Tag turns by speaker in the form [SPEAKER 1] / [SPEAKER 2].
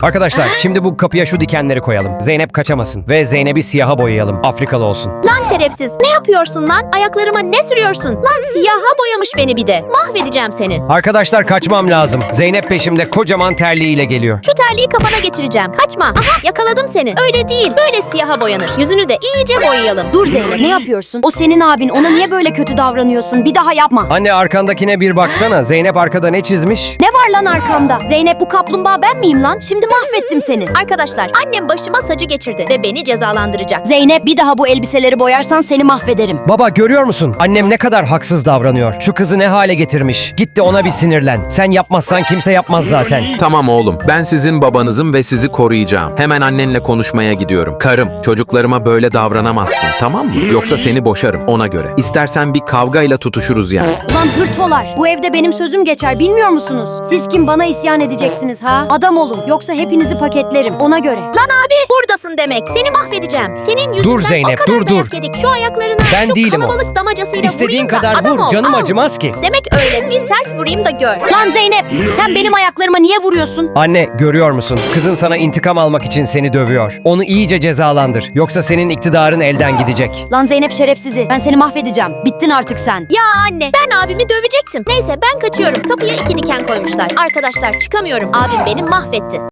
[SPEAKER 1] Arkadaşlar şimdi bu kapıya şu dikenleri koyalım. Zeynep kaçamasın ve Zeynep'i siyaha boyayalım. Afrikalı olsun.
[SPEAKER 2] Lan şerefsiz, ne yapıyorsun lan? Ayaklarıma ne sürüyorsun? Lan siyaha boyamış beni bir de. Mahvedeceğim seni.
[SPEAKER 1] Arkadaşlar kaçmam lazım. Zeynep peşimde kocaman terliğiyle geliyor.
[SPEAKER 2] Şu terliği kafana geçireceğim. Kaçma. Aha, yakaladım seni. Öyle değil, böyle siyaha boyanır. Yüzünü de iyice boyayalım.
[SPEAKER 3] Dur Zeynep, ne yapıyorsun? O senin abin, ona niye böyle kötü davranıyorsun? Bir daha yapma.
[SPEAKER 1] Anne arkandakine bir baksana. Zeynep arkada ne çizmiş?
[SPEAKER 3] Ne var lan arkamda? Zeynep, bu kaplumbağa ben miyim lan? Şimdi mahvettim seni.
[SPEAKER 2] Arkadaşlar, annem başıma sacı geçirdi ve beni cezalandıracak.
[SPEAKER 3] Zeynep, bir daha bu elbiseleri boyarsan seni mahvederim.
[SPEAKER 1] Baba görüyor musun? Annem ne kadar haksız davranıyor. Şu kızı ne hale getirmiş. Git de ona bir sinirlen. Sen yapmazsan kimse yapmaz zaten.
[SPEAKER 4] Tamam oğlum, ben sizin babanızım ve sizi koruyacağım. Hemen annenle konuşmaya gidiyorum. Karım, çocuklarıma böyle davranamazsın, tamam mı? Yoksa seni boşarım ona göre. İstersen bir kavgayla tutuşuruz yani.
[SPEAKER 3] Ulan hırtolar, bu evde benim sözüm geçer, bilmiyor musunuz? Siz kim, bana isyan edeceksiniz ha? Adam olun, yoksa hepinizi paketlerim, ona göre.
[SPEAKER 2] Lan abi, buradasın demek. Seni mahvedeceğim. Senin yüzünden
[SPEAKER 1] Dur Zeynep,
[SPEAKER 2] o kadar
[SPEAKER 1] dur,
[SPEAKER 2] dayak
[SPEAKER 1] dur.
[SPEAKER 2] yedik. Şu ayaklarına,
[SPEAKER 1] Ben
[SPEAKER 2] şu
[SPEAKER 1] değilim o.
[SPEAKER 2] kalabalık damacasıyla
[SPEAKER 1] İstediğin
[SPEAKER 2] vurayım da
[SPEAKER 1] kadar
[SPEAKER 2] adam
[SPEAKER 1] vur.
[SPEAKER 2] ol,
[SPEAKER 1] Canım
[SPEAKER 2] al.
[SPEAKER 1] acımaz ki.
[SPEAKER 2] Demek öyle, bir sert vurayım da gör.
[SPEAKER 3] Lan Zeynep, sen benim ayaklarıma niye vuruyorsun?
[SPEAKER 1] Anne görüyor musun? Kızın sana intikam almak için seni dövüyor. Onu iyice cezalandır. Yoksa senin iktidarın elden gidecek.
[SPEAKER 3] Lan Zeynep şerefsizi, ben seni mahvedeceğim. Bittin artık sen.
[SPEAKER 2] Ya anne, ben abimi dövecektim. Neyse ben kaçıyorum. Kapıya 2 diken koymuşlar. Arkadaşlar çıkamıyorum. Abim beni mahvetti.